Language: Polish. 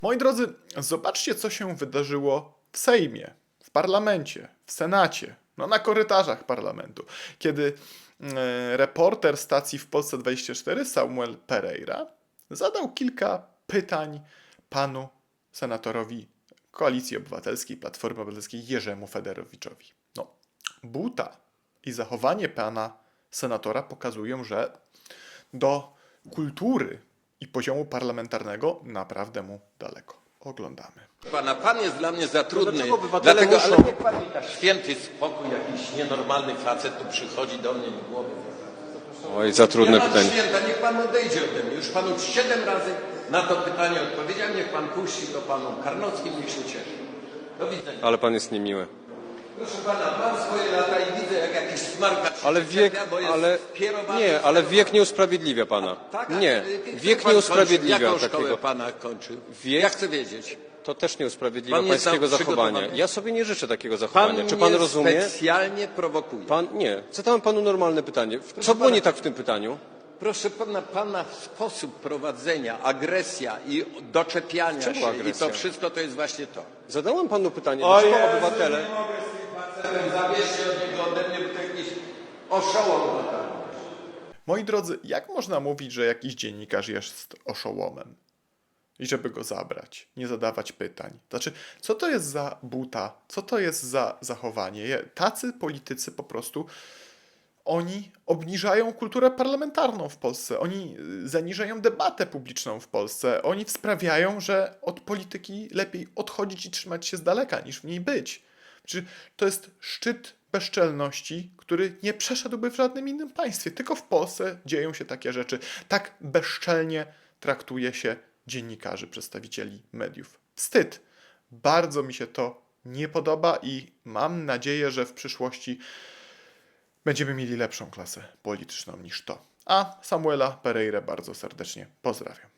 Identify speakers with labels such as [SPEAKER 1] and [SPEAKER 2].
[SPEAKER 1] Moi drodzy, zobaczcie, co się wydarzyło w Sejmie, w parlamencie, w Senacie, no na korytarzach parlamentu, kiedy reporter stacji w Polsce 24, Samuel Pereira, zadał kilka pytań panu senatorowi Koalicji Obywatelskiej, Platformy Obywatelskiej Jerzemu Federowiczowi. No, buta i zachowanie pana senatora pokazują, że do kultury i poziomu parlamentarnego naprawdę mu daleko. Oglądamy.
[SPEAKER 2] Pan jest dla mnie za trudny,
[SPEAKER 3] dlaczego obywatele
[SPEAKER 2] dlatego,
[SPEAKER 3] muszą-
[SPEAKER 2] ale niech pan mi da święty spokój, jakiś nienormalny facet tu przychodzi do mnie i głowy.
[SPEAKER 3] Oj, za trudne
[SPEAKER 2] Nie ma
[SPEAKER 3] pytanie.
[SPEAKER 2] święta, niech pan odejdzie ode mnie. Już panu 7 razy na to pytanie odpowiedziałem, niech pan puści to panu Karnowskim, niech się cieszy. Do widzenia.
[SPEAKER 3] Ale pan jest niemiły.
[SPEAKER 2] Proszę pana, mam swoje lata i widzę, jak jakiś smarkacz się
[SPEAKER 3] Ale wiek,
[SPEAKER 2] czepia, bo jest
[SPEAKER 3] ale
[SPEAKER 2] skierowany
[SPEAKER 3] nie,
[SPEAKER 2] w
[SPEAKER 3] ale
[SPEAKER 2] stronę-
[SPEAKER 3] wiek nie usprawiedliwia pana.
[SPEAKER 2] Tak,
[SPEAKER 3] Nie,
[SPEAKER 2] który
[SPEAKER 3] wiek
[SPEAKER 2] pan
[SPEAKER 3] nie usprawiedliwia
[SPEAKER 2] kończył? Jaką szkołę
[SPEAKER 3] takiego.
[SPEAKER 2] pana kończył?
[SPEAKER 3] Wiek?
[SPEAKER 2] Ja chcę wiedzieć.
[SPEAKER 3] To też nie usprawiedliwia
[SPEAKER 2] Pan jest
[SPEAKER 3] pańskiego zachowania.
[SPEAKER 2] przygotowany?
[SPEAKER 3] Ja sobie nie życzę takiego
[SPEAKER 2] Pan
[SPEAKER 3] zachowania. Czy pan
[SPEAKER 2] mnie
[SPEAKER 3] rozumie?
[SPEAKER 2] specjalnie prowokuje.
[SPEAKER 3] Pan nie. Zadałem panu normalne pytanie. Co było
[SPEAKER 2] pana-
[SPEAKER 3] nie tak w tym pytaniu?
[SPEAKER 2] Proszę pana sposób prowadzenia, agresja i doczepiania
[SPEAKER 3] Czemu
[SPEAKER 2] się
[SPEAKER 3] agresja?
[SPEAKER 2] i to wszystko to jest właśnie to.
[SPEAKER 3] Zadałem panu pytanie, dlaczego obywatele...
[SPEAKER 2] nie mogę z tym facetem, zabierzcie od niego ode mnie, bo to jakiś oszołom totalny.
[SPEAKER 1] Moi drodzy, jak można mówić, że jakiś dziennikarz jest oszołomem? I żeby go zabrać, nie zadawać pytań. Znaczy, co to jest za buta? Co to jest za zachowanie? Tacy politycy po prostu, oni obniżają kulturę parlamentarną w Polsce. Oni zaniżają debatę publiczną w Polsce. Oni sprawiają, że od polityki lepiej odchodzić i trzymać się z daleka, niż w niej być. Znaczy, to jest szczyt bezczelności, który nie przeszedłby w żadnym innym państwie. Tylko w Polsce dzieją się takie rzeczy. Tak bezczelnie traktuje się dziennikarzy, przedstawicieli mediów. Wstyd. Bardzo mi się to nie podoba i mam nadzieję, że w przyszłości będziemy mieli lepszą klasę polityczną niż to. A Samuela Pereira bardzo serdecznie pozdrawiam.